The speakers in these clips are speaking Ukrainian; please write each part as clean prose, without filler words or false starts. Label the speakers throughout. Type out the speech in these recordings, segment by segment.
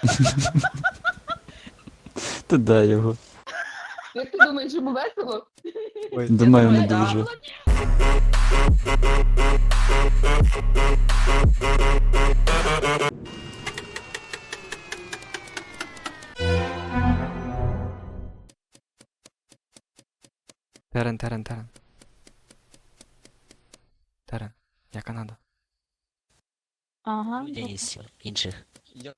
Speaker 1: Ти дай його.
Speaker 2: Як ти думаєш, йому весело?
Speaker 3: Ой,
Speaker 1: Думаю, не
Speaker 2: Да.
Speaker 1: дуже.
Speaker 3: Терен. Терен, я Канада.
Speaker 4: Ага.
Speaker 5: Є інших.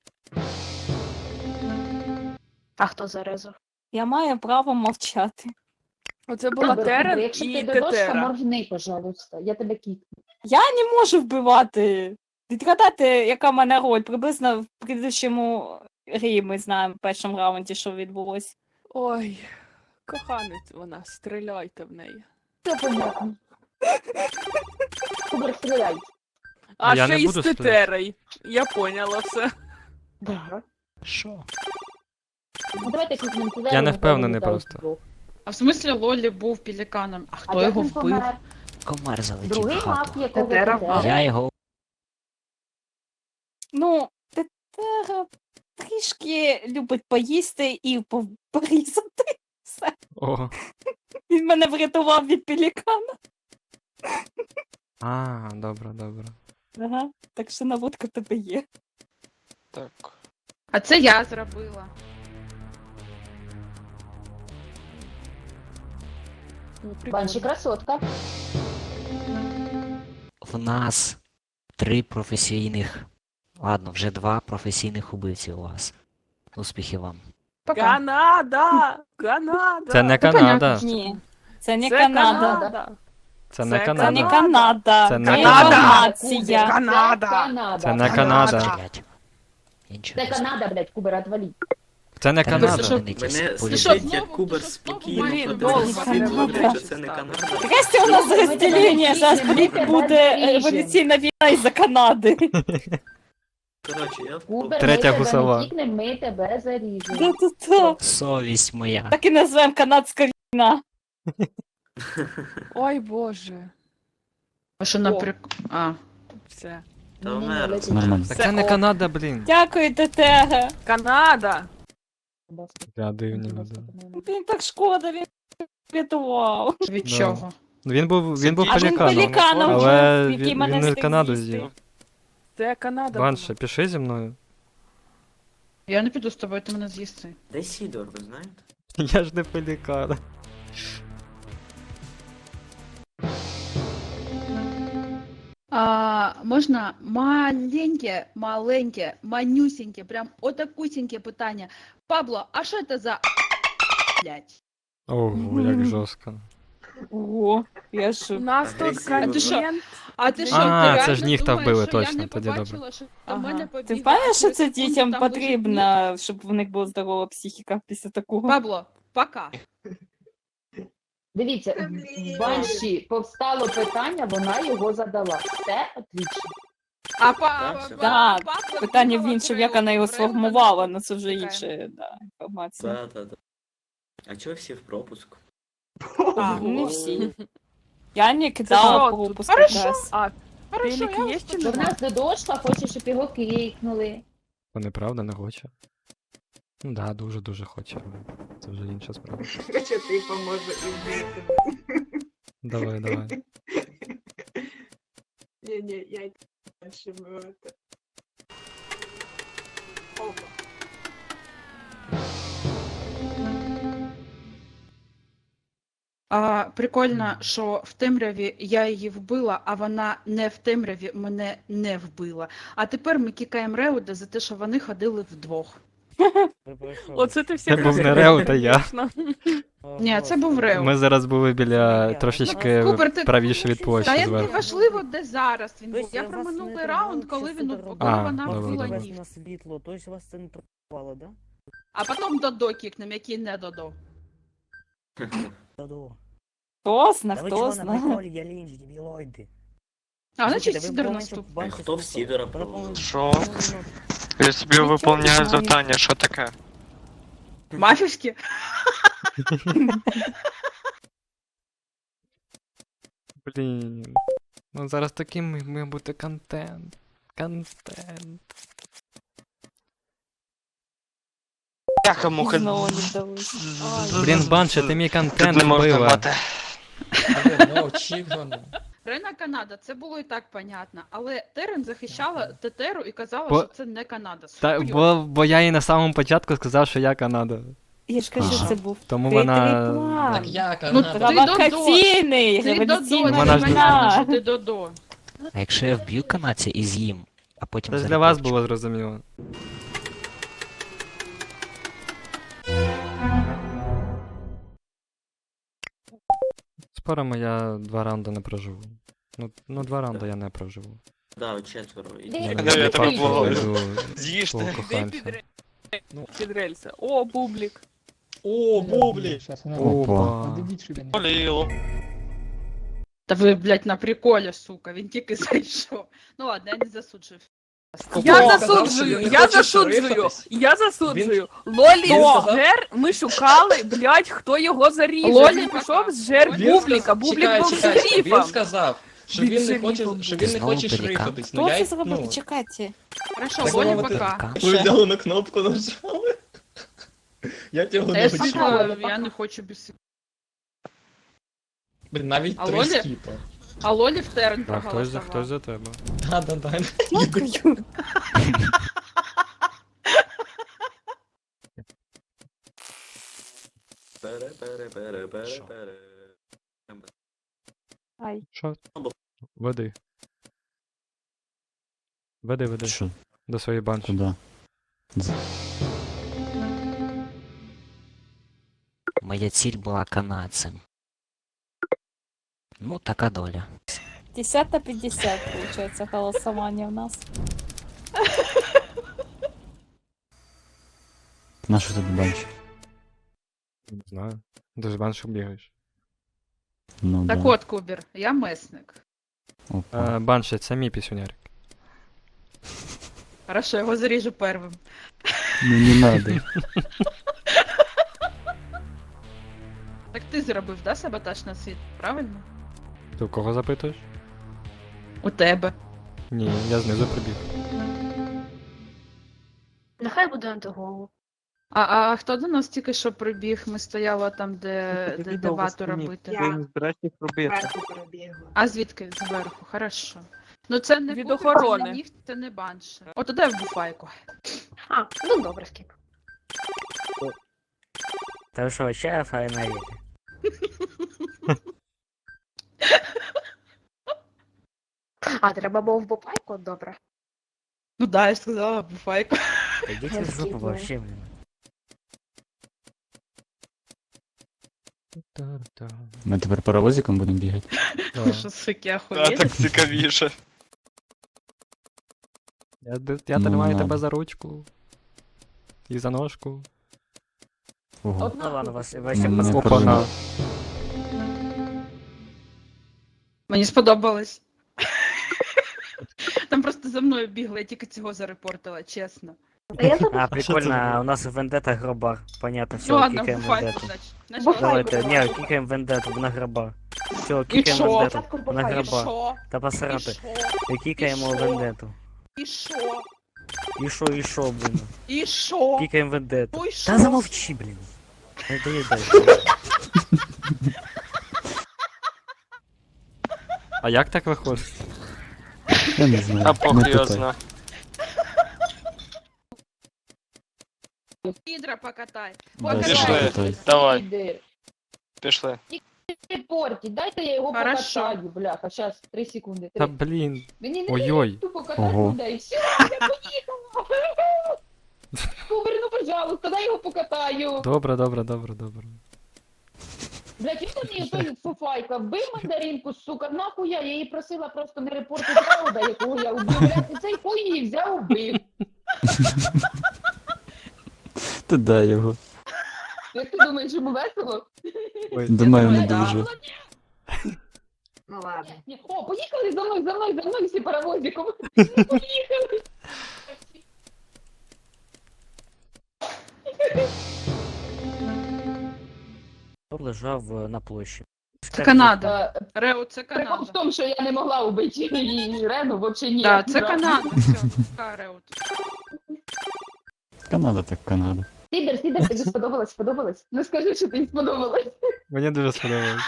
Speaker 4: А хто зарезав? Я маю право мовчати.
Speaker 6: Оце була Терен
Speaker 2: Якщо
Speaker 6: і
Speaker 2: ти додошка,
Speaker 6: Тетера.
Speaker 2: моргни, пожалуйста. Я тебе кікну.
Speaker 4: Я не можу вбивати. Відгадати, яка в мене роль. Приблизно в предыдущому грі ми знаємо в першому раунді, що відбулось.
Speaker 6: Ой, коханець вона, стріляйте в неї.
Speaker 2: Все понятно. Кубер, стріляй.
Speaker 6: А
Speaker 3: Я
Speaker 6: ще
Speaker 3: не
Speaker 6: й
Speaker 3: буду
Speaker 6: з Тетерою. Я поняла все.
Speaker 2: Да.
Speaker 5: Що?
Speaker 2: Ну давайте кікнемо туди.
Speaker 3: Я не
Speaker 2: і
Speaker 3: впевнений
Speaker 2: далі
Speaker 3: просто.
Speaker 2: вдвох.
Speaker 7: А в смислі Лолі був пеліканом, а
Speaker 2: А
Speaker 7: хто
Speaker 2: як
Speaker 7: його
Speaker 2: він
Speaker 7: вбив?
Speaker 2: помер?
Speaker 5: Комар залетів
Speaker 2: Другий
Speaker 5: в
Speaker 2: мав
Speaker 5: хату.
Speaker 2: якого
Speaker 6: Тетера
Speaker 2: Тетера.
Speaker 5: Я його
Speaker 4: Ну, Тетера трішки любить поїсти і порізати. Все.
Speaker 3: О.
Speaker 4: Він мене врятував від пелікана.
Speaker 3: А, добре.
Speaker 4: Ага. Так що наводка в тебе є.
Speaker 3: Так.
Speaker 7: А це я зробила.
Speaker 6: Ну,
Speaker 2: Банші
Speaker 6: прикольно.
Speaker 2: красотка.
Speaker 5: в нас 3 професійних. Ладно, вже 2 професійних убивці у вас. Успіхів вам.
Speaker 7: Пока.
Speaker 6: Канада! Канада!
Speaker 3: Це не
Speaker 7: Та
Speaker 3: Канада.
Speaker 7: понятно.
Speaker 4: Ні. Це не
Speaker 6: Це
Speaker 4: Канада.
Speaker 6: Канада.
Speaker 3: Це не
Speaker 6: Це
Speaker 4: Це не
Speaker 3: Канада.
Speaker 4: Канада.
Speaker 3: Це не
Speaker 4: Це
Speaker 3: Канада.
Speaker 4: інформація.
Speaker 6: Канада.
Speaker 2: Це Канада.
Speaker 3: Це не
Speaker 5: Канада,
Speaker 3: Канада.
Speaker 5: блядь. Нічого
Speaker 2: Це
Speaker 5: не знаю.
Speaker 2: Канада, блядь, Кубер, отвали.
Speaker 3: Це не
Speaker 5: Та ви
Speaker 3: Канада.
Speaker 5: знаменитість.
Speaker 8: Мене
Speaker 5: Полюбіть.
Speaker 8: слухайте, як
Speaker 7: знову-
Speaker 8: Кубер
Speaker 7: ти що,
Speaker 8: спокійно
Speaker 7: знову
Speaker 6: Блін,
Speaker 8: подивився,
Speaker 6: довго не
Speaker 8: говорить,
Speaker 6: буде.
Speaker 8: що це не Канада.
Speaker 4: Здрасте, у нас розділення, зараз буде революційна війна із-за Канади.
Speaker 8: Коротше, я
Speaker 2: Кубер,
Speaker 3: Третя
Speaker 2: ми
Speaker 3: гусова.
Speaker 2: тебе не кікнемо, ми тебе заріжемо.
Speaker 4: Та-та-та.
Speaker 5: Совість моя.
Speaker 4: Так і назвемо канадська війна.
Speaker 6: Ой, Боже.
Speaker 7: А що наприк... А.
Speaker 6: Все.
Speaker 8: Та
Speaker 2: Ні-ні-ні,
Speaker 8: вмер.
Speaker 2: летить.
Speaker 1: Нормально.
Speaker 3: Так це не Канада, блін.
Speaker 4: Дякую, Тетега.
Speaker 6: Канада!
Speaker 3: Я дивні люди.
Speaker 4: Він так шкода, він врятував.
Speaker 7: Від
Speaker 3: Да.
Speaker 7: чого?
Speaker 3: Він був
Speaker 4: А він
Speaker 3: пеліканом.
Speaker 4: пеліканом
Speaker 3: Але
Speaker 4: був, який
Speaker 3: він
Speaker 4: мене
Speaker 3: не
Speaker 4: встиг
Speaker 3: Канаду
Speaker 4: з'їсти.
Speaker 3: з'їв.
Speaker 6: Це Канада.
Speaker 3: Банше, піши зі мною.
Speaker 7: Я не піду з тобою, ти мене з'їсти.
Speaker 8: Де Сідор, ви знаєте?
Speaker 3: Я ж не пелікан.
Speaker 7: Можна маленьке, манюсеньке, прям отакусеньке питання. Пабло, а що це за блядь?
Speaker 3: Ого, як жорстко.
Speaker 4: Ого, я
Speaker 6: У
Speaker 4: ж...
Speaker 6: нас тут
Speaker 8: Агресивно.
Speaker 7: А ти що?
Speaker 6: контент.
Speaker 7: А ти що,
Speaker 3: А,
Speaker 7: ти реально
Speaker 3: це ж ніхта
Speaker 7: думаєш,
Speaker 3: вбили,
Speaker 7: що я
Speaker 3: точно,
Speaker 7: не
Speaker 3: тоді добре.
Speaker 7: побачила, що до
Speaker 6: Ага.
Speaker 7: мене
Speaker 4: Ти
Speaker 7: побігла,
Speaker 4: впевнена,
Speaker 7: а
Speaker 4: що
Speaker 7: через
Speaker 4: це
Speaker 7: секунду
Speaker 4: дітям
Speaker 7: там лежить
Speaker 4: потрібно, щоб в них була здорова психіка після такого?
Speaker 7: Пабло, пока.
Speaker 2: Дивіться, в Банші повстало питання, вона його задала. Все отлично.
Speaker 7: А
Speaker 4: Да,
Speaker 7: Пабло
Speaker 4: Питання в
Speaker 7: бігала
Speaker 4: іншому, як вона його сформувала, але це вже інша інформація.
Speaker 8: Да. А чого всі в пропуск?
Speaker 4: Не всі. Я не
Speaker 6: що
Speaker 4: кидала
Speaker 6: тут?
Speaker 4: пропуск
Speaker 7: Хорошо.
Speaker 4: якраз.
Speaker 6: А,
Speaker 7: Хорошо,
Speaker 6: пелік
Speaker 7: я
Speaker 6: є
Speaker 7: вас
Speaker 6: чи
Speaker 2: Бо в
Speaker 6: нема?
Speaker 2: нас додошка хоче, щоб його кикнули.
Speaker 3: Бо неправда не хоче. Ну да, дуже хоче. але Це вже інша справа.
Speaker 9: Хоча ти поможе і вбити.
Speaker 3: Давай.
Speaker 9: Ні, я й дальше вбивати. Опа.
Speaker 7: Прикольно, що в темряві я її вбила, а вона не в темряві мене не вбила. А тепер ми кікаємо Реуда за те, що вони ходили вдвох.
Speaker 6: Оце ти
Speaker 3: Це
Speaker 6: всіх
Speaker 3: був не Реу, та я.
Speaker 6: звісно.
Speaker 7: Ні, це був Реуд.
Speaker 3: Ми зараз були біля трошечки
Speaker 7: Кубер, ти-
Speaker 3: правіше від
Speaker 7: Та
Speaker 3: площі
Speaker 7: я не
Speaker 3: зверху.
Speaker 7: важливо, де зараз він був.
Speaker 10: Тобто
Speaker 7: Я
Speaker 10: вас
Speaker 7: про
Speaker 10: не
Speaker 7: минулий
Speaker 10: тривало,
Speaker 7: раунд,
Speaker 10: що
Speaker 7: коли
Speaker 10: Федор
Speaker 7: коли
Speaker 3: А,
Speaker 7: вона
Speaker 3: добре,
Speaker 7: вбила
Speaker 3: добре.
Speaker 7: ніг.
Speaker 10: на світло, тобто вас це не тривало, да?
Speaker 7: А потім Додо кікнем, який не Додо.
Speaker 10: Додо.
Speaker 4: Хто зна,
Speaker 10: Та ви
Speaker 4: хто
Speaker 10: чого на
Speaker 4: зна.
Speaker 10: приколі, я лінч, дебілоїди.
Speaker 7: А, значить,
Speaker 10: Слухайте, ви
Speaker 7: Сідор
Speaker 10: помните,
Speaker 7: наступ.
Speaker 10: банші
Speaker 8: Хто в
Speaker 10: слухали?
Speaker 8: Сідора
Speaker 10: Пропоную-
Speaker 11: Що?
Speaker 10: пропоную-
Speaker 11: Я собі виповняю завдання, що таке?
Speaker 7: Мафівські?
Speaker 3: Блін. Ну зараз таким має бути контент. Контент.
Speaker 11: Бляха-муха.
Speaker 4: Знову не вдалося.
Speaker 3: Блін, Банші, ти мій контент
Speaker 11: Тут не можна
Speaker 3: вбила.
Speaker 11: мати.
Speaker 7: Рена Канада, це було і так понятно. Але Терен захищала Тетеру і казала,
Speaker 3: Бо-
Speaker 7: що це не Канада.
Speaker 3: Та,
Speaker 7: Хуйово.
Speaker 3: бо я їй на самому початку сказав, що я Канада.
Speaker 4: Я ж кажу,
Speaker 1: Ага.
Speaker 4: це був
Speaker 3: Тому
Speaker 4: хитрий
Speaker 3: вона.
Speaker 4: план.
Speaker 7: Ну, ти
Speaker 4: Провокаційний,
Speaker 7: Ти Додо,
Speaker 4: революційний
Speaker 3: Вона ж
Speaker 7: це
Speaker 3: не-
Speaker 7: понятно,
Speaker 4: план.
Speaker 7: що ти Додо.
Speaker 5: А якщо я вб'ю канадця і з'їм, а потім
Speaker 3: Це ж для вас
Speaker 5: зарепорчу?
Speaker 3: було зрозуміло. Споримо, я 2 раунди не проживу. Ну 2 раунди я не проживу.
Speaker 8: Да, от 4.
Speaker 2: Де
Speaker 3: Я
Speaker 2: ти?
Speaker 3: не
Speaker 11: Да, я
Speaker 3: буду
Speaker 11: тебе
Speaker 3: папу,
Speaker 11: благаю.
Speaker 3: пойду
Speaker 11: З'їж
Speaker 3: свого
Speaker 11: ти.
Speaker 3: коханця.
Speaker 6: Під рельси. О, бублік.
Speaker 12: О, бублі!
Speaker 3: Опа.
Speaker 11: Боліло.
Speaker 7: Та ви, блядь, на приколі, сука, він тільки зайшов. Ну ладно, я не засуджую.
Speaker 6: Я засуджую, я засуджую. Лолі
Speaker 12: сказав?
Speaker 6: Жер, ми шукали, блядь, хто його заріже.
Speaker 7: Лолі
Speaker 6: Він
Speaker 7: пока.
Speaker 6: пішов з Жер
Speaker 7: Він
Speaker 6: Бубліка, Бублік був шерифом.
Speaker 12: Він сказав, що він не хоче, що він не
Speaker 5: Знову
Speaker 12: хоче
Speaker 5: пелікан.
Speaker 12: шрифатись.
Speaker 4: Хто це зробив? Чекайте.
Speaker 7: Хорошо,
Speaker 12: Так
Speaker 7: Лолі
Speaker 12: мовити.
Speaker 7: пока.
Speaker 5: Пелікан?
Speaker 12: Ви взяли на кнопку нажали. Я цього
Speaker 7: Та я
Speaker 12: не
Speaker 7: ж
Speaker 12: хотів.
Speaker 7: сказала, я не хочу без...
Speaker 12: Блін, навіть
Speaker 7: А
Speaker 12: 3
Speaker 7: Лолі?
Speaker 12: скіпа.
Speaker 7: А Лолі в Терен
Speaker 3: А хтось за
Speaker 7: проголосував.
Speaker 3: тебе.
Speaker 12: Да.
Speaker 4: Дякую.
Speaker 8: Пере.
Speaker 4: Ай.
Speaker 3: Що? Веди. Веди.
Speaker 1: Що?
Speaker 3: До своєї банші.
Speaker 1: Куди?
Speaker 5: Моя ціль була канадцем. Ну, така доля.
Speaker 4: 50 на 50, получается, голосование у нас.
Speaker 1: На що ти банч?
Speaker 3: Не знаю. Ти ж баншу бігаєш.
Speaker 1: Ну,
Speaker 7: Так
Speaker 1: да.
Speaker 7: от, Кубер, я месник.
Speaker 1: Опа.
Speaker 3: Банші, це мій пісюнярик.
Speaker 7: Хорошо, його заріжу первим.
Speaker 1: Ну не надо.
Speaker 7: Так ти зробив, да, саботаж на світ, правильно?
Speaker 3: Ти в кого запитуєш?
Speaker 7: У тебе.
Speaker 3: Ні, я знизу прибіг.
Speaker 9: Нехай буде антиголу.
Speaker 7: А хто до нас тільки що прибіг? Ми стояли там, де вату робити.
Speaker 9: Я
Speaker 11: збираєш їх робити.
Speaker 9: зверху перебігла.
Speaker 7: А звідки? Зверху, хорошо. Ну це не
Speaker 6: Від
Speaker 7: Кубер,
Speaker 6: охорони.
Speaker 7: це не ніхт, це не банше. От туди в буфайку.
Speaker 9: А, ну добре, скіп.
Speaker 10: Та що, ще файна.
Speaker 9: А, треба було в бопайку? Добре.
Speaker 7: Ну да, я ж сказала, в буфайку.
Speaker 10: Идите в жопу
Speaker 9: Скидывай.
Speaker 10: вообще, блин.
Speaker 1: Ми тепер паровозиком будемо бігати.
Speaker 7: Ви що, суки,
Speaker 11: Да,
Speaker 7: охуєли?
Speaker 11: так цікавіше.
Speaker 3: Я
Speaker 1: Ну,
Speaker 3: тримаю
Speaker 1: надо.
Speaker 3: тебе за ручку. І за ножку.
Speaker 1: Ого.
Speaker 10: Ну ладно, вас
Speaker 1: Не
Speaker 10: вообще
Speaker 3: Опана.
Speaker 1: проживу.
Speaker 7: Мені сподобалось. Там просто за мною бігли, я тільки цього зарепортила, чесно.
Speaker 9: Та я забув.
Speaker 10: А, прикольно, а у нас вендета гробар. Понятно,
Speaker 7: Ну
Speaker 10: все,
Speaker 7: ладно, в
Speaker 10: кикаем
Speaker 7: буфайку,
Speaker 10: вендету.
Speaker 7: значить.
Speaker 9: Бухай.
Speaker 10: Давайте, не, кикаем вендету, вона гробар. Все, кикаем
Speaker 7: що?
Speaker 10: вендету,
Speaker 9: Спочатку
Speaker 10: вона
Speaker 9: бухай.
Speaker 7: І
Speaker 10: гробар.
Speaker 7: що?
Speaker 10: Та
Speaker 7: І
Speaker 10: посрати.
Speaker 7: що?
Speaker 10: І кикаємо
Speaker 7: І що?
Speaker 10: вендету.
Speaker 7: І що?
Speaker 10: І що, блін.
Speaker 7: І що?
Speaker 10: Кикаем вендету.
Speaker 7: Ну і що?
Speaker 10: Та замовчи, блін. Не доїдай.
Speaker 3: А як так виходить?
Speaker 1: Я не знаю.
Speaker 11: А
Speaker 1: Не
Speaker 11: похуй його
Speaker 1: питай.
Speaker 11: зна.
Speaker 7: Підра покатай.
Speaker 1: Да,
Speaker 7: Покатай.
Speaker 11: Пішли.
Speaker 1: питай.
Speaker 11: Давай.
Speaker 2: Іди.
Speaker 11: Пішли.
Speaker 2: Репорті, дайте я його
Speaker 7: Хорошо.
Speaker 2: покатаю, бляха, щас, 3 секунди.
Speaker 3: Та
Speaker 2: 3.
Speaker 3: блін.
Speaker 2: Мені не
Speaker 3: Ой-ой.
Speaker 2: дають тупо катати
Speaker 1: Ого.
Speaker 2: людей. Все, я поїхала. Кубер, ну пожалуйста, дай його покатаю.
Speaker 3: Добре.
Speaker 2: Блядь, він мені той фуфайка вбив мандаринку, сука, нахуя, я її просила просто не репортити Рауда, якого я вбив, блядь, і цей хуй її взяв, вбив.
Speaker 1: Ти дай його.
Speaker 2: Як ти думаєш, йому весело?
Speaker 1: Думаю, не
Speaker 2: Да.
Speaker 1: дуже.
Speaker 9: Ну ладно.
Speaker 2: Ні, о, поїхали за мною всі паровозиком. Поїхали.
Speaker 10: Хто лежав на площі?
Speaker 7: Це Канада.
Speaker 2: Е,
Speaker 7: Рео, це
Speaker 2: Прикол в
Speaker 7: Канада.
Speaker 2: тому, що я не могла вбити її Рену, взагалі ні.
Speaker 7: Так, це Канада. Все, така Рео.
Speaker 1: Канада так Канада.
Speaker 2: Сібер, Сідер, тобі сподобалось? Сподобалось? Ну скажи, що тобі сподобалось.
Speaker 3: Мені дуже сподобалось.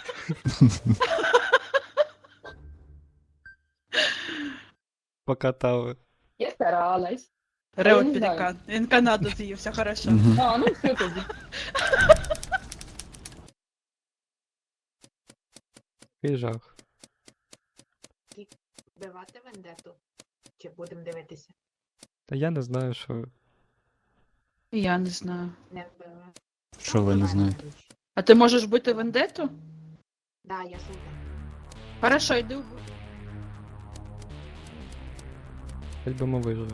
Speaker 3: Покатали.
Speaker 2: Я старалась.
Speaker 7: Реот
Speaker 2: не знаю.
Speaker 7: пелікан. Він Канаду з'їв, все хорошо.
Speaker 1: Мгм.
Speaker 2: А, ну все тоді.
Speaker 3: Який жах.
Speaker 9: Вбивати вендету? Чи будемо дивитися?
Speaker 3: Та я не знаю, що.
Speaker 7: Я не знаю.
Speaker 9: Не вбивати.
Speaker 1: Що ви не знаєте?
Speaker 7: А ти можеш бути вендету?
Speaker 9: Да, я супер.
Speaker 7: Хорошо, йди вбив.
Speaker 3: Хоч би ми вижили.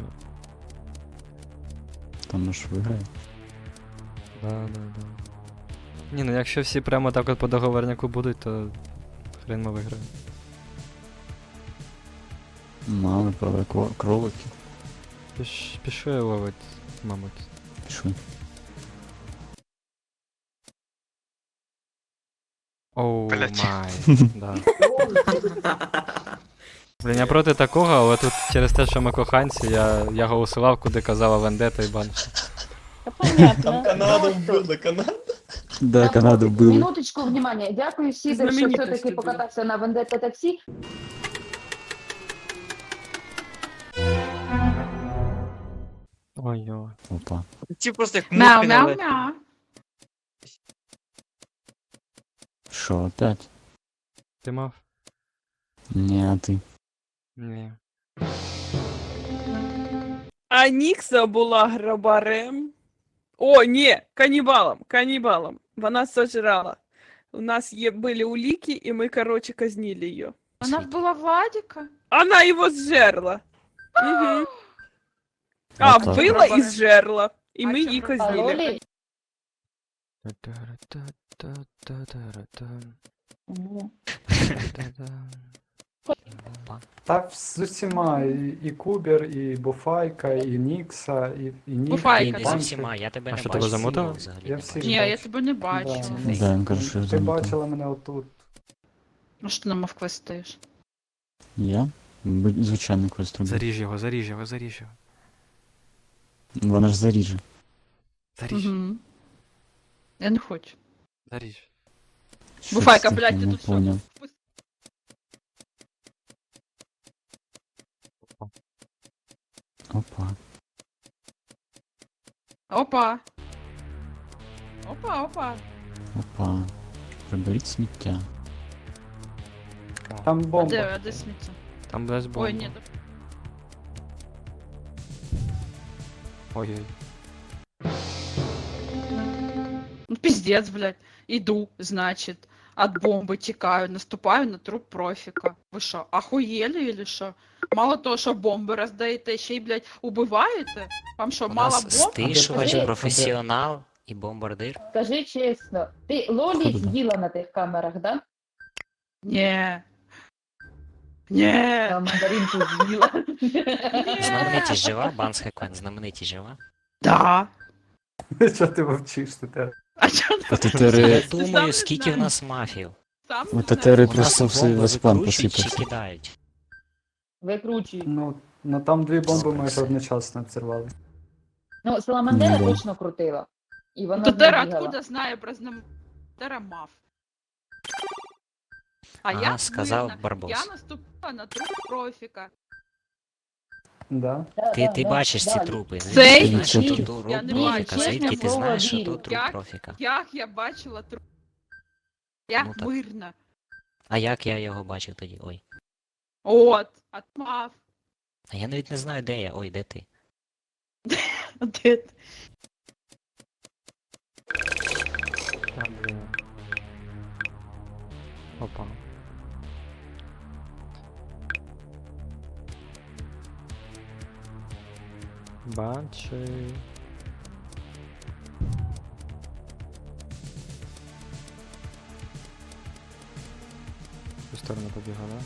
Speaker 1: Там ж виграє.
Speaker 3: Да. Ні, ну якщо всі прямо так от по договорняку будуть, то хрен ми виграємо.
Speaker 1: Мали праве кролики.
Speaker 3: Пішли ловить, мабуть.
Speaker 1: Пішли.
Speaker 3: Оу
Speaker 11: Блядь.
Speaker 3: май. Да. Блін, я проти такого, але тут через те, що ми коханці, я голосував, куди казала Вендета і Банші.
Speaker 4: Та понятно.
Speaker 12: Там Канаду вбили, Канаду.
Speaker 1: Да, Канаду вбили.
Speaker 2: Минуточку, внимание. Дякую, Сідер, що
Speaker 7: Знаменитості
Speaker 2: все-таки
Speaker 7: були.
Speaker 2: покатався на Вендетта таксі.
Speaker 3: Ой-ой.
Speaker 1: Опа.
Speaker 11: Ці просто як
Speaker 7: Мяу,
Speaker 11: мухи
Speaker 7: мяу,
Speaker 11: налетіли.
Speaker 7: мяу.
Speaker 1: Що, опять?
Speaker 3: Ти мав?
Speaker 1: Ні, а ти.
Speaker 3: Ні.
Speaker 6: А Нікса була грабарем. О, ні, канібалом. Вона сожрала. У нас були улики, і ми, короче, казнили її.
Speaker 7: Вона вбила Владіка?
Speaker 6: Она его сжерла. Угу. А,
Speaker 1: Отак.
Speaker 6: вбила і зжерла. І ми її
Speaker 2: А
Speaker 6: казнили.
Speaker 2: Лолі?
Speaker 13: Та з усіма, і Кубер, і Буфайка, і Нікса, і Нік.
Speaker 7: Буфайка,
Speaker 5: Ні,
Speaker 7: так.
Speaker 5: не з усіма, я тебе
Speaker 3: А
Speaker 5: не
Speaker 3: що,
Speaker 5: бачу.
Speaker 3: тебе замутили?
Speaker 5: Сім'ю взагалі
Speaker 13: Я
Speaker 5: не
Speaker 13: всіх
Speaker 5: бачу.
Speaker 7: Ні,
Speaker 13: бачу.
Speaker 7: я тебе не бачу.
Speaker 13: Да,
Speaker 1: Да, він каже, що я
Speaker 13: Ти
Speaker 1: замотав.
Speaker 13: бачила мене отут.
Speaker 7: Ну що ти нам вквестиш?
Speaker 1: Я? Звичайно, квест робив.
Speaker 3: Заріж його.
Speaker 1: Вона ж заріже.
Speaker 3: Заріж.
Speaker 7: Угу. Я не хочу.
Speaker 3: Заріж.
Speaker 1: Що
Speaker 7: Буфайка,
Speaker 1: це
Speaker 7: блядь,
Speaker 1: таке?
Speaker 7: ти
Speaker 1: Не
Speaker 7: тут що?
Speaker 1: поняв. Опа.
Speaker 7: Опа. Опа.
Speaker 1: Опа. Приберіть сміття.
Speaker 13: Там
Speaker 7: А
Speaker 13: бомба.
Speaker 7: де сміття?
Speaker 3: Там десь бомба.
Speaker 7: Ой, ні.
Speaker 3: Ой-ой.
Speaker 7: Ну пиздец, блядь. Иду, значит, от бомбы текаю, наступаю на труп профика. Ви що, охуєли или що? Мало того, що бомби роздаєте, ще й, блядь, убиваєте? Вам що,
Speaker 5: У
Speaker 7: мало
Speaker 5: нас
Speaker 7: бомб?
Speaker 5: стишувач,
Speaker 2: Скажи.
Speaker 5: професіонал і бомбардир.
Speaker 2: Скажи чесно, ти Лолі
Speaker 1: Походу, да.
Speaker 2: з'їла на тих камерах, да?
Speaker 7: Ні. Ні.
Speaker 2: А мандаринку з'їла.
Speaker 5: Знаменитість жива, Банс Хеквен, знаменитість жива.
Speaker 7: Да.
Speaker 13: Що ти мовчиш тут?
Speaker 7: А чо ти
Speaker 5: Я
Speaker 1: Татери...
Speaker 5: думаю, скільки в нас мафів.
Speaker 7: сам
Speaker 1: У
Speaker 7: не
Speaker 1: Татери
Speaker 7: знаєш?
Speaker 5: У нас
Speaker 1: просто все
Speaker 5: бомби
Speaker 1: весь план
Speaker 5: викручують чи
Speaker 1: посипався.
Speaker 5: кидають.
Speaker 2: Викручуй.
Speaker 13: Ну там дві бомби
Speaker 5: Добре,
Speaker 13: майже
Speaker 5: все.
Speaker 13: одночасно взірвали.
Speaker 2: Ну, Саламандера
Speaker 1: Ну, да.
Speaker 2: точно крутила. І вона
Speaker 7: Татера
Speaker 2: бігала.
Speaker 7: откуда знає про Татера мав? А
Speaker 5: Ага,
Speaker 7: я
Speaker 5: сказав
Speaker 7: мирна.
Speaker 5: Барбос.
Speaker 7: Я наступила на труп профіка.
Speaker 13: Да.
Speaker 2: Да,
Speaker 5: Ти
Speaker 2: да,
Speaker 5: бачиш
Speaker 2: да,
Speaker 5: ці
Speaker 2: да.
Speaker 5: трупи,
Speaker 7: Цей
Speaker 5: звідки ти знаєш, що
Speaker 1: ні,
Speaker 5: то труп
Speaker 7: я не
Speaker 5: профіка,
Speaker 7: бачу.
Speaker 5: звідки
Speaker 2: Чесне
Speaker 5: ти
Speaker 2: слово,
Speaker 5: знаєш, що то
Speaker 2: вірю.
Speaker 5: труп
Speaker 7: Як?
Speaker 5: профіка.
Speaker 7: Як я бачила труп? Я
Speaker 5: Ну, так.
Speaker 7: мирна.
Speaker 5: А як я його бачив тоді? Ой.
Speaker 7: От, отмав.
Speaker 5: А я навіть не знаю, де я. Ой, де ти?
Speaker 7: Де ти?
Speaker 3: Та, блін. Опа. Банші. В ту сторону побігла, да?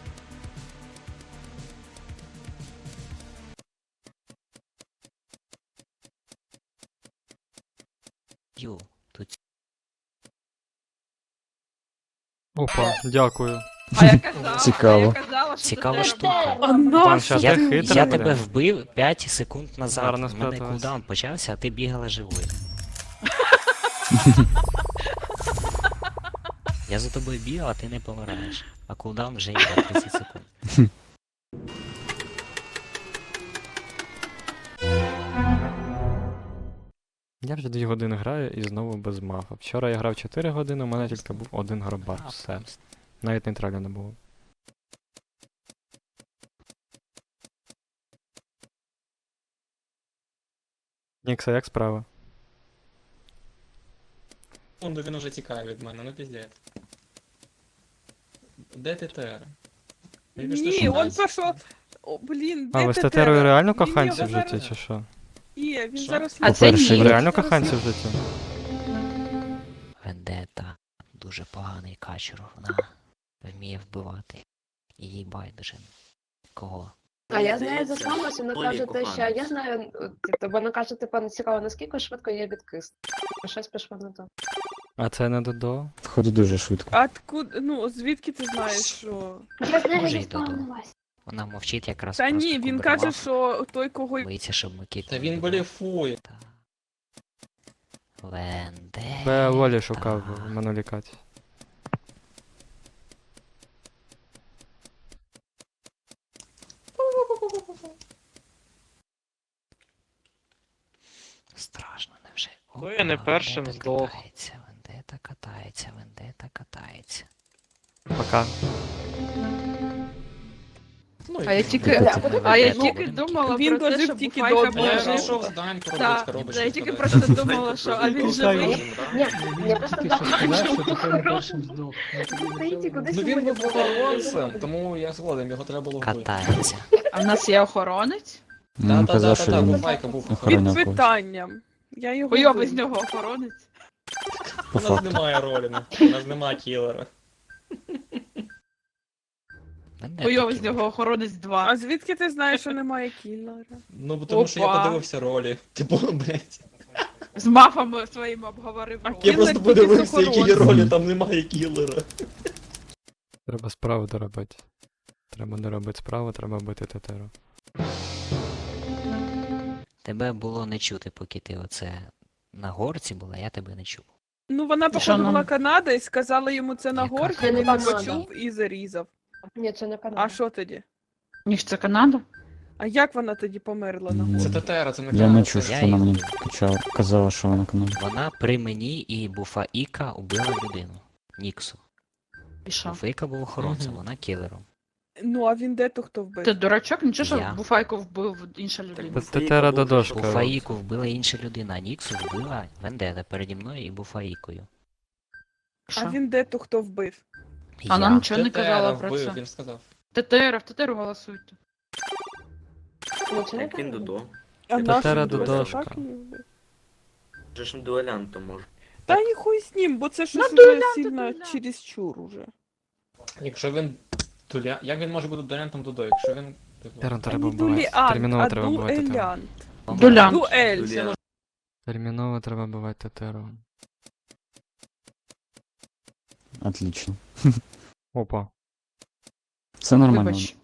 Speaker 5: Ю, тут
Speaker 3: Опа, дякую.
Speaker 7: А я казала,
Speaker 1: Цікаво.
Speaker 7: а я казала, що
Speaker 5: Цікава
Speaker 7: Татера
Speaker 5: штука.
Speaker 7: була.
Speaker 6: А
Speaker 3: Банша,
Speaker 5: Я,
Speaker 3: ти хитра,
Speaker 5: я
Speaker 3: бля.
Speaker 5: тебе вбив 5 секунд назад.
Speaker 3: Гарно
Speaker 5: У мене
Speaker 3: спряталась.
Speaker 5: кулдаун почався, а ти бігала живою. Я за тобою бігав, а ти не помираєш. А кулдаун вже йде 30 секунд.
Speaker 3: Я вже 2 години граю і знову без мафа. Вчора я грав 4 години, у мене тільки був один гробар. Все. Навіть нейтралі не було. Нікса, як справа?
Speaker 12: Ну він уже тікає від мене, ну піздець. Де ТТР?
Speaker 6: Ні, он пішов. О, блін,
Speaker 3: А,
Speaker 6: де
Speaker 3: ви з
Speaker 6: Тетера?
Speaker 3: Тетерою реально
Speaker 6: Він його
Speaker 3: коханці в
Speaker 6: зараз-
Speaker 3: житті, чи що?
Speaker 6: Є, він
Speaker 12: Що?
Speaker 6: зараз...
Speaker 2: А це
Speaker 1: По-перше,
Speaker 2: ні.
Speaker 3: Ви реально
Speaker 6: Зараз
Speaker 3: коханці в житті?
Speaker 5: Вендета дуже поганий качур, вона вміє вбивати. І їй байдуже. Кого?
Speaker 9: А я знаю за слабость, вона
Speaker 8: Олі
Speaker 9: каже те, що
Speaker 8: коханець.
Speaker 9: я знаю, вона каже, типу, не цікаво, наскільки швидко є відкис. Щось пішло не то.
Speaker 3: А це не Додо?
Speaker 1: Входить дуже швидко.
Speaker 6: Откуда, ну, звідки ти знаєш, що...
Speaker 9: Я знаю,
Speaker 5: Може,
Speaker 9: я
Speaker 5: й Додо.
Speaker 9: спавнилась.
Speaker 5: Вона мовчить якраз
Speaker 6: Та
Speaker 5: просто
Speaker 6: ні, він
Speaker 5: кубер
Speaker 6: каже,
Speaker 5: мав,
Speaker 6: що той, кого...
Speaker 5: боїться, щоб Микіт
Speaker 12: Та
Speaker 5: не
Speaker 12: він
Speaker 5: вбивав.
Speaker 12: блефує.
Speaker 5: Та. Вендета.
Speaker 3: Я Волі шукав в минулій каті.
Speaker 5: Страшно, невже?
Speaker 11: Ну, я не
Speaker 5: Опа,
Speaker 11: першим
Speaker 5: Вендета
Speaker 11: здох.
Speaker 5: катається, Вендета катається, Вендета катається.
Speaker 3: Пока.
Speaker 12: Ну,
Speaker 7: А я
Speaker 12: і-
Speaker 7: тільки,
Speaker 1: Вендета.
Speaker 7: а я
Speaker 5: Ну,
Speaker 7: тільки думала
Speaker 6: він
Speaker 7: про те,
Speaker 6: дожив
Speaker 7: що
Speaker 6: тільки
Speaker 7: Буфайка
Speaker 6: до
Speaker 12: А
Speaker 6: одного.
Speaker 12: я
Speaker 7: може.
Speaker 12: зайшов з Даньку
Speaker 7: Так,
Speaker 12: робити коробочку.
Speaker 7: я тільки
Speaker 12: подати.
Speaker 7: просто думала, що а він живий.
Speaker 9: Ні, я просто так. Стоїть і
Speaker 12: Ну
Speaker 9: кудись
Speaker 12: він був
Speaker 9: виходить.
Speaker 12: охоронцем, тому я згоден, його треба було вбити.
Speaker 5: Катається.
Speaker 7: А в нас є охоронець?
Speaker 1: Він казав, що
Speaker 12: Та-та-та-та,
Speaker 1: він
Speaker 12: Буфайка був
Speaker 6: Під
Speaker 1: охороняв когось.
Speaker 6: питанням. Я його
Speaker 7: Хуйовий з
Speaker 6: вбив.
Speaker 7: нього охоронець.
Speaker 1: По
Speaker 12: У нас
Speaker 1: факту.
Speaker 12: немає роліна, у нас немає кілера.
Speaker 5: Вендета
Speaker 7: Хуйовий з
Speaker 5: кілер.
Speaker 7: нього охоронець 2.
Speaker 6: А звідки ти знаєш, що немає кіллера?
Speaker 12: Ну, бо тому що я
Speaker 7: Опа.
Speaker 12: подивився ролі. Типу, блядь.
Speaker 7: З мафами своїми обговорив.
Speaker 6: А
Speaker 7: роль.
Speaker 12: Я
Speaker 6: Кілер
Speaker 12: просто
Speaker 6: тільки
Speaker 12: подивився, які є
Speaker 6: охоронцем.
Speaker 12: ролі, там немає кілера.
Speaker 3: Треба справу доробити. Треба доробити справу, треба бити Тетеру.
Speaker 5: Тебе було не чути, поки ти оце на горці була, я тебе не чув.
Speaker 6: Ну, вона,
Speaker 7: Та що
Speaker 6: походу,
Speaker 7: нам?
Speaker 6: була Канада і сказала йому це на
Speaker 5: Яка
Speaker 6: горці,
Speaker 9: Це не
Speaker 6: він
Speaker 9: Канада.
Speaker 6: почув і зарізав.
Speaker 9: Ні, це не
Speaker 6: А
Speaker 9: канал.
Speaker 6: що тоді?
Speaker 7: Ніж це Канада?
Speaker 6: А як вона тоді померла на
Speaker 1: М,
Speaker 6: горці?
Speaker 12: Це ТТР, це не
Speaker 1: Я не
Speaker 12: Канада.
Speaker 1: чув, що
Speaker 5: Я
Speaker 1: вона
Speaker 5: їх
Speaker 1: мені
Speaker 5: вбив.
Speaker 1: казала, що вона канал.
Speaker 5: Вона при мені і Буфаїка убила людину. Ніксу.
Speaker 7: І що?
Speaker 5: Буфаїка був охоронцем,
Speaker 12: Мгм.
Speaker 5: вона кілером.
Speaker 6: Ну, а він де то хто вбив?
Speaker 7: Ти дурачок? Нічого, що
Speaker 5: Я.
Speaker 7: Буфайку вбив інша людина.
Speaker 3: Тетера Додошка.
Speaker 5: Буфаїку вбила інша людина, а Ніксу вбила Вендета переді мною і Буфаїкою.
Speaker 6: А він де то хто вбив?
Speaker 7: А нам
Speaker 5: Я.
Speaker 7: нічого не казала про
Speaker 12: вбив,
Speaker 7: це.
Speaker 12: він сказав.
Speaker 7: ТТР, в ТТР голосуйте.
Speaker 9: Ну, це не
Speaker 8: Як він
Speaker 9: канал.
Speaker 8: Додо.
Speaker 6: А
Speaker 3: Тетера
Speaker 6: наш він
Speaker 3: Додошка.
Speaker 6: так її вбив?
Speaker 8: Вже ж дуелянтом може.
Speaker 6: Та і хуй з ним, бо це щось
Speaker 7: Ну,
Speaker 6: вже
Speaker 7: дуелянт,
Speaker 6: сильно
Speaker 7: дуелянт.
Speaker 6: чересчур уже.
Speaker 12: Якщо він... Як він може бути дуелянтом Додо, якщо він... типу,
Speaker 3: Терен
Speaker 6: Та
Speaker 3: треба
Speaker 6: не
Speaker 3: вбивати.
Speaker 6: дуелянт,
Speaker 3: Терміново
Speaker 6: а
Speaker 3: треба вбивати Тетеру.
Speaker 6: дуелянт.
Speaker 7: Дулянт.
Speaker 6: Дуель.
Speaker 8: Дуелянт.
Speaker 3: Терміново треба вбивати Тетеру.
Speaker 1: Отлично.
Speaker 3: Опа.
Speaker 1: Все нормально.
Speaker 7: Вибач.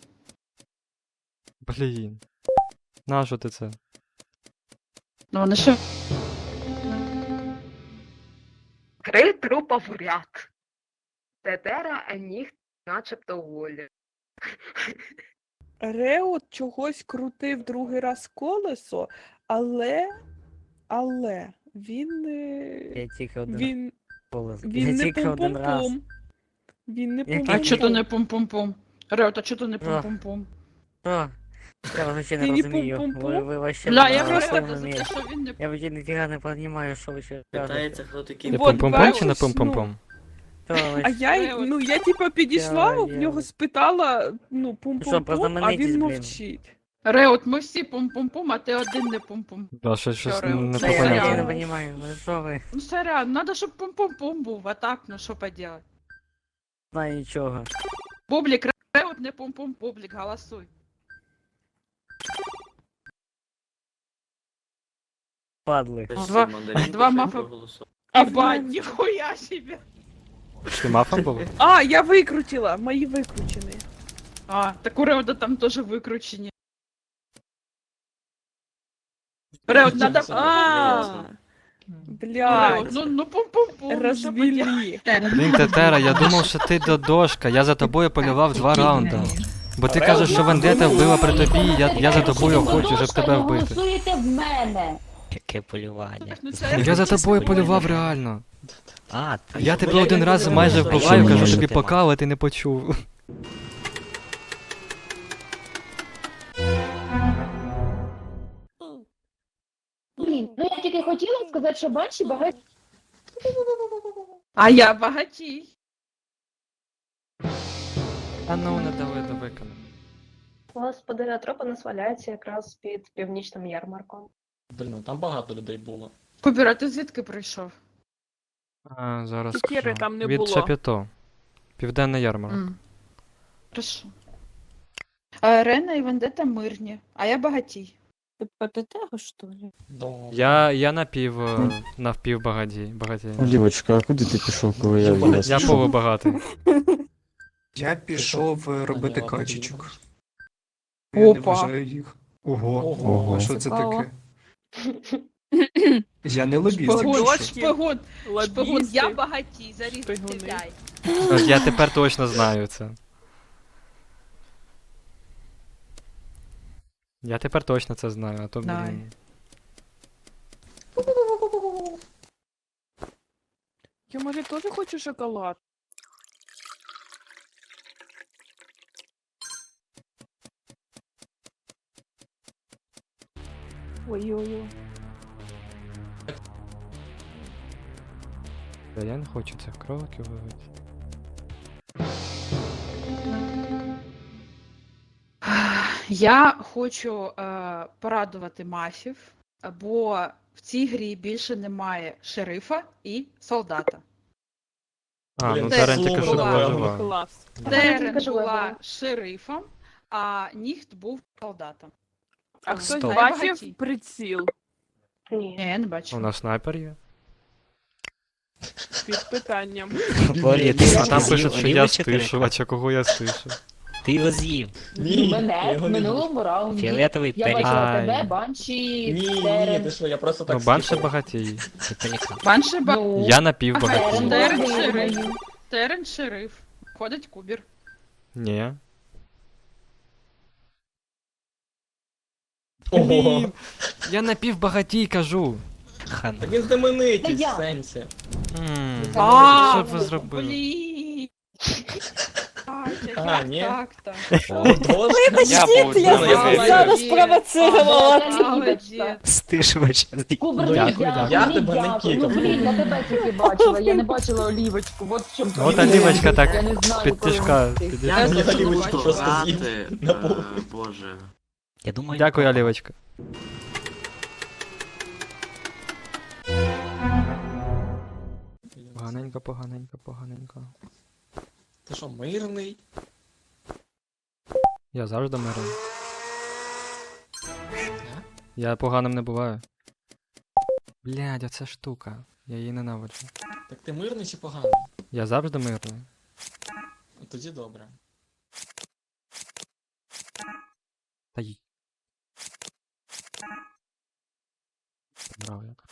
Speaker 3: Блін. Нащо ти це?
Speaker 7: Ну вони що?
Speaker 9: 3 трупа в ряд. Тетера, а ніг начебто волі.
Speaker 6: Реот чогось крутив другий раз колесо, але він
Speaker 10: Я тільки один
Speaker 6: він,
Speaker 10: голос.
Speaker 6: він
Speaker 10: Я
Speaker 6: не
Speaker 10: тільки один раз.
Speaker 6: пум-пум-пум. Він не
Speaker 10: Який
Speaker 7: А чого то
Speaker 6: пум-пум-пум.
Speaker 7: не пум-пум-пум? Реот, а чого то не пум-пум-пум?
Speaker 10: Що? Я взагалі
Speaker 6: Ти
Speaker 10: не
Speaker 6: не
Speaker 10: розумію.
Speaker 6: пум-пум-пум?
Speaker 10: Ви вообще
Speaker 7: Бля,
Speaker 10: не
Speaker 7: я
Speaker 6: просто-
Speaker 7: просто
Speaker 10: розумієте.
Speaker 7: за те, що він не
Speaker 10: Я вообще ніфіга не розумію, що ви ще кажете.
Speaker 8: Питається, хто такий
Speaker 3: Ти
Speaker 6: Вот,
Speaker 3: пум-пум-пум чи не
Speaker 6: бачиш, ну.
Speaker 3: пум-пум-пум?
Speaker 10: Що ви
Speaker 6: А я,
Speaker 7: Реот.
Speaker 6: ну, я типа підійшла,
Speaker 10: Я-
Speaker 6: в нього спитала, ну,
Speaker 10: Що,
Speaker 6: пум-пум-пум, а
Speaker 10: познаменитесь,
Speaker 6: він
Speaker 10: блін?
Speaker 6: мовчить.
Speaker 7: Реот, ми всі пум-пум-пум, а ти один не пум-пум.
Speaker 3: Да, щось
Speaker 7: Реот.
Speaker 3: не
Speaker 10: Та я взагалі не
Speaker 3: попонятно.
Speaker 10: розумію, ну що ви?
Speaker 7: Ну сорян, надо, щоб пум-пум-пум був, а так, ну що поделать.
Speaker 10: Знаю нічого.
Speaker 7: Бублік, Реот не пум-пум, Бублік, голосуй.
Speaker 10: Падли.
Speaker 7: Два мафа. Ебать, нихуя себе.
Speaker 3: Ти мафом був?
Speaker 6: А, я викрутила, мої викручені.
Speaker 7: А, так у Реода там тоже выкручені. Реот, надо...
Speaker 6: А, Блядь,
Speaker 7: Ну, пум-пум-пум.
Speaker 6: развели.
Speaker 3: Блін, Тетера, я думав, що ти додошка. Я за тобою полював 2 раунди. Бо ти кажеш, що Вендета вбила при тобі, я за тобою хочу, щоб тебе
Speaker 2: Не
Speaker 3: вбити.
Speaker 2: голосуєте в мене.
Speaker 5: Яке полювання.
Speaker 7: Ну, це
Speaker 3: Я за тобою полював реально.
Speaker 5: А, ти.
Speaker 3: Я тебе один раз майже вбиваю, кажу тобі пока, але ти не почув.
Speaker 2: Блін, ну я тільки хотіла сказати, що банші багато.
Speaker 7: А я багатій.
Speaker 3: А ну, не дали до викону.
Speaker 9: Господи, тропа нас валяється якраз під північним ярмарком.
Speaker 12: Блін, ну там багато людей було.
Speaker 7: Кубер, а ти звідки прийшов?
Speaker 3: А, зараз
Speaker 6: Тікери
Speaker 3: скажу.
Speaker 6: там не
Speaker 3: Від
Speaker 6: було.
Speaker 3: Чапіто. Південний ярмарок.
Speaker 7: Хорошо. Рена і Вендета мирні, а я багатій.
Speaker 4: Ти проти того, що ли?
Speaker 3: Я навпів багатій.
Speaker 1: Олівочка, а куди ти пішов, коли я вас
Speaker 3: Я
Speaker 1: пішов?
Speaker 3: полубагатий.
Speaker 14: Я пішов робити качечок.
Speaker 7: Опа.
Speaker 14: Я не вважаю їх. Ого,
Speaker 1: Ого.
Speaker 14: а що це
Speaker 4: Цікаво.
Speaker 14: таке? Я не лобіст.
Speaker 7: Шпигун,
Speaker 14: якщо що.
Speaker 7: шпигун, шпигун, я
Speaker 6: Лобісти.
Speaker 7: багатій, заріз
Speaker 6: Шпигуни.
Speaker 7: стріляй.
Speaker 3: От я тепер точно знаю це. Я тепер точно це знаю, а то,
Speaker 7: Давай.
Speaker 3: блін.
Speaker 6: Я, може, теж хочу шоколад?
Speaker 4: Ой-ой-ой.
Speaker 3: Та я не хочу цих кроликів ловити.
Speaker 7: Я хочу порадувати мафів, бо в цій грі більше немає шерифа і солдата.
Speaker 3: А,
Speaker 12: Блін,
Speaker 3: ну
Speaker 7: це
Speaker 3: Терен тільки що
Speaker 7: була-
Speaker 3: була жива.
Speaker 6: Клас.
Speaker 7: Терен
Speaker 9: кажу,
Speaker 7: була
Speaker 9: ладно.
Speaker 7: шерифом, а Ніхт був солдатом.
Speaker 6: А хтось
Speaker 5: Стоп.
Speaker 6: бачив приціл
Speaker 9: Ні.
Speaker 7: Ні, я не бачу.
Speaker 3: У нас снайпер є.
Speaker 6: під питанням?
Speaker 5: Олі, ти
Speaker 3: А там
Speaker 5: з'їв
Speaker 3: пишуть, що я
Speaker 5: олівочок,
Speaker 3: стишувач, а кого я стишу.
Speaker 5: Ти його з'їв.
Speaker 12: Ні, я
Speaker 2: Мене
Speaker 12: його
Speaker 2: в
Speaker 12: не їв.
Speaker 2: минулому раунді.
Speaker 5: Фіолетовий
Speaker 2: Я
Speaker 5: пелікан.
Speaker 2: бачила
Speaker 3: Ай.
Speaker 2: тебе, банші,
Speaker 12: Ні,
Speaker 2: Терен.
Speaker 12: ти що, я просто так
Speaker 3: Ну, банше
Speaker 12: скіпав.
Speaker 3: багатій.
Speaker 5: Це пелікан.
Speaker 7: Банше
Speaker 2: Ну,
Speaker 3: Я напів
Speaker 2: Терен
Speaker 3: багатій.
Speaker 7: Терен
Speaker 2: була
Speaker 7: шериф.
Speaker 2: виграю.
Speaker 7: Терен шериф. Ходить Кубір.
Speaker 3: Ні.
Speaker 12: Ого.
Speaker 3: Блін, я напів багатій, кажу.
Speaker 5: Хан.
Speaker 12: Так він знаменитість
Speaker 2: Та я.
Speaker 12: в сенсі.
Speaker 3: Що б ви зробили?
Speaker 7: Блін.
Speaker 12: А, ні?
Speaker 7: Так.
Speaker 4: Вибачте, я
Speaker 12: був
Speaker 4: зараз
Speaker 12: знаю.
Speaker 4: провоцировала.
Speaker 2: Молодець.
Speaker 5: Стишувач.
Speaker 2: Кубер,
Speaker 12: Дякую,
Speaker 2: ні,
Speaker 12: дякую.
Speaker 2: дякую,
Speaker 12: Я
Speaker 2: ні,
Speaker 12: тебе не
Speaker 2: дякую.
Speaker 12: кікав.
Speaker 2: Ну, блін, я тебе тільки бачила, я не бачила олівочку. От в чому
Speaker 3: От
Speaker 2: проблема.
Speaker 3: олівочка так
Speaker 2: Я не знаю,
Speaker 3: під
Speaker 2: коли
Speaker 3: тишка
Speaker 2: вона встиг.
Speaker 3: підійшла.
Speaker 12: Мені олівочку просто з'їв на пол.
Speaker 8: Боже.
Speaker 5: Я думаю,
Speaker 3: Дякую, Олівочка. Поганенько.
Speaker 12: Ти що, мирний?
Speaker 3: Я завжди мирний. Я поганим не буваю. Блядь, оця штука. Я її ненавиджу.
Speaker 12: Так ти мирний чи поганий?
Speaker 3: Я завжди мирний.
Speaker 12: Тоді добре.
Speaker 3: Та й. Брав як.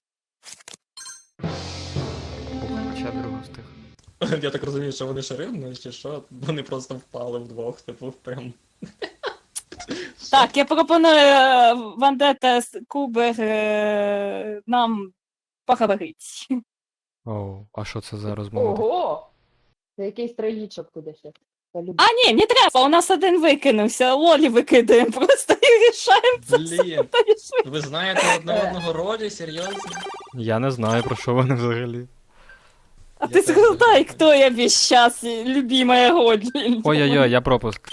Speaker 3: Хоча б другу встиг.
Speaker 12: Я так розумію, що вони шерифні, чи що? Вони просто впали вдвох, типу, прям.
Speaker 4: Так, я пропоную Вендета Кубер нам поговорити.
Speaker 3: Оу, а що це за розмова?
Speaker 2: Ого! Це якийсь трагічок туди ще. Я люблю.
Speaker 4: А, ні, не треба, у нас один викинувся. Лолі викидаємо просто і рішаємо це все.
Speaker 12: Блін, ви знаєте одне одного ролі, серйозно?
Speaker 3: Я не знаю, про що вони взагалі.
Speaker 4: А ти згадай, хто я весь час, любимая Голі.
Speaker 3: Ой-ой-ой, я пропуск.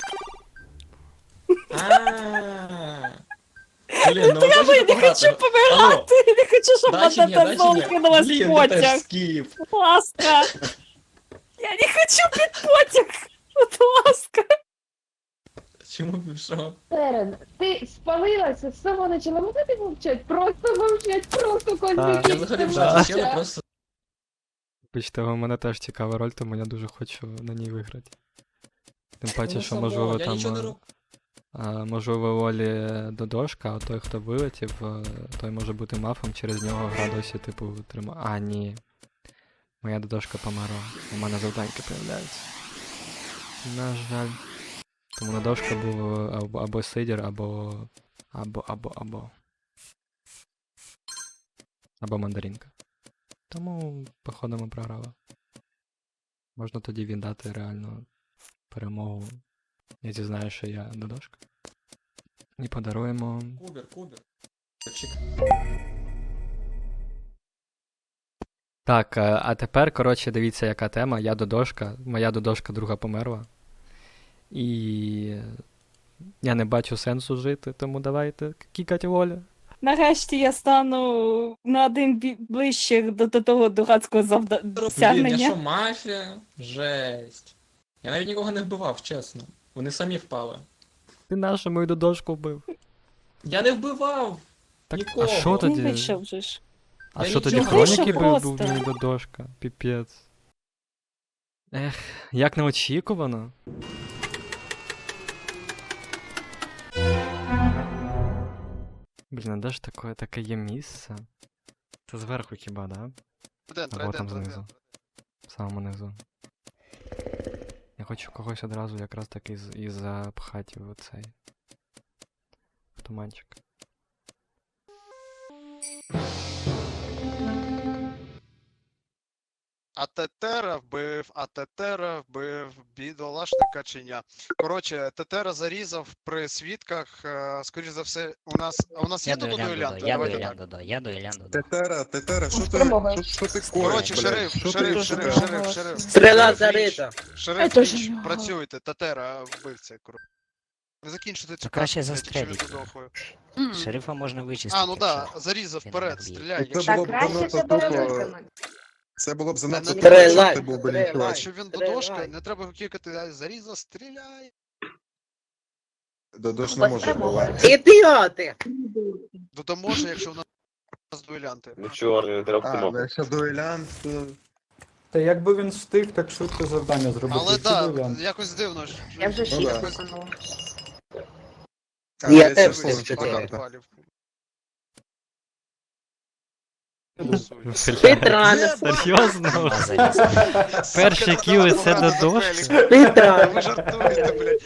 Speaker 12: Ааа. Блін, ну ви
Speaker 4: Я
Speaker 12: хочете
Speaker 4: не хочу
Speaker 12: пограти?
Speaker 4: помирати, я не хочу, щоб
Speaker 12: Да чи ні,
Speaker 4: Вендета
Speaker 12: да чи
Speaker 4: знову
Speaker 12: ні?
Speaker 4: кинулась
Speaker 12: Блін,
Speaker 4: в
Speaker 12: ти теж
Speaker 4: потяг.
Speaker 12: скіп.
Speaker 4: Будь ласка. Я не хочу під потяг. Будь ласка.
Speaker 12: Чому б що?
Speaker 2: Терен, ти спалилася з самого начала. Можете мовчать? Просто мовчать, просто козлики.
Speaker 12: Я взагалі вже зачем, просто
Speaker 3: Бачите, у мене теж цікава роль, тому я дуже хочу на ній виграти. Тим паче,
Speaker 12: Ну,
Speaker 3: що
Speaker 12: само,
Speaker 3: можливо
Speaker 12: я
Speaker 3: там.
Speaker 12: нічого не роб-
Speaker 3: Можливо, Олі додошка, а той, хто вилетів, той може бути мафом, через нього гра досі, типу, тримає. А, ні. Моя додошка померла. У мене завданьки появляються. На жаль. Тому на дошка був або Сидір, або мандаринка. Тому, походу, ми програли. Можна тоді віддати реально перемогу. Я зізнаю, що я додошка. І подаруємо...
Speaker 12: Кубер.
Speaker 3: Так, а тепер, коротше, дивіться, яка тема. Я додошка. Моя додошка друга померла. І я не бачу сенсу жити, тому давайте кікать Олю.
Speaker 4: Нарешті я стану на один ближче до того дурацького
Speaker 12: Блін, я
Speaker 4: досягнення.
Speaker 12: що, мафія? Жесть. Я навіть нікого не вбивав, чесно. Вони самі впали.
Speaker 3: Ти нашу мою додошку вбив.
Speaker 12: Я не вбивав!
Speaker 3: Так,
Speaker 12: Нікого.
Speaker 3: а що
Speaker 4: Він
Speaker 3: тоді?
Speaker 4: вийшов же ж.
Speaker 3: А
Speaker 12: Я
Speaker 3: що тоді
Speaker 12: нічого.
Speaker 3: хроніки
Speaker 4: Вийшов
Speaker 3: був
Speaker 4: просто.
Speaker 3: мій додошка? Піпець. Ех, як неочікувано. Блін, а де ж таке є місце? Це зверху хіба, да? Або там знизу. В самому низу. Я хочу когось одразу якраз таки і запхати в оцей в туманчик.
Speaker 11: А Тетера вбив бідолашника чи ня. Коротше, Тетера зарізав при свідках, скоріш за все, у нас є тут дуелянти? Давайте так.
Speaker 5: Я дуелянт.
Speaker 14: Тетера, що
Speaker 9: Спромога.
Speaker 14: що ти коїш,
Speaker 11: Коротше,
Speaker 14: блядь?
Speaker 11: шериф.
Speaker 8: Стріла зарита.
Speaker 11: Шериф,
Speaker 2: Це ж
Speaker 11: кінч,
Speaker 2: мало.
Speaker 11: працюйте, Тетера вбивця, коротше. Ви закінчите цю
Speaker 5: краще
Speaker 11: карту, блядь, якщо він
Speaker 5: застреліть.
Speaker 11: додохує.
Speaker 5: Шерифа можна вичистити.
Speaker 11: А, ну да,
Speaker 5: якщо
Speaker 11: зарізав
Speaker 5: він
Speaker 11: вперед,
Speaker 5: так б'є.
Speaker 11: стріляй.
Speaker 14: Це
Speaker 11: Якщо
Speaker 14: було б
Speaker 9: краще
Speaker 14: занадто
Speaker 9: тебе
Speaker 14: тупо.
Speaker 9: виконати.
Speaker 14: Це було б занадто
Speaker 11: Не
Speaker 14: тупо,
Speaker 11: треба,
Speaker 14: якщо ти був би
Speaker 8: стріляй.
Speaker 14: нічого.
Speaker 11: якщо він додошка, не треба кікати, а зарізав, стріляй.
Speaker 14: Додош не може
Speaker 9: Спромога.
Speaker 14: бувати.
Speaker 8: Ідіоти!
Speaker 11: То може, якщо в нас дуелянти.
Speaker 8: Ну чорний, треба
Speaker 14: А, ну якщо дуелянт, то...
Speaker 13: Та якби він встиг, так швидко завдання зробити.
Speaker 11: Але
Speaker 13: Це
Speaker 11: так,
Speaker 13: дуелянт.
Speaker 11: якось дивно.
Speaker 9: Я вже
Speaker 14: Ну
Speaker 9: 6
Speaker 14: да.
Speaker 9: виконала.
Speaker 14: А,
Speaker 8: Я
Speaker 14: це
Speaker 8: теж
Speaker 14: слово,
Speaker 8: теж
Speaker 14: що
Speaker 8: чотири.
Speaker 14: карта.
Speaker 8: Петра,
Speaker 3: Серйозно?
Speaker 5: А, заліз.
Speaker 3: Перші кіли це додошка?
Speaker 8: Петра.
Speaker 11: Ви жартуєте, блядь.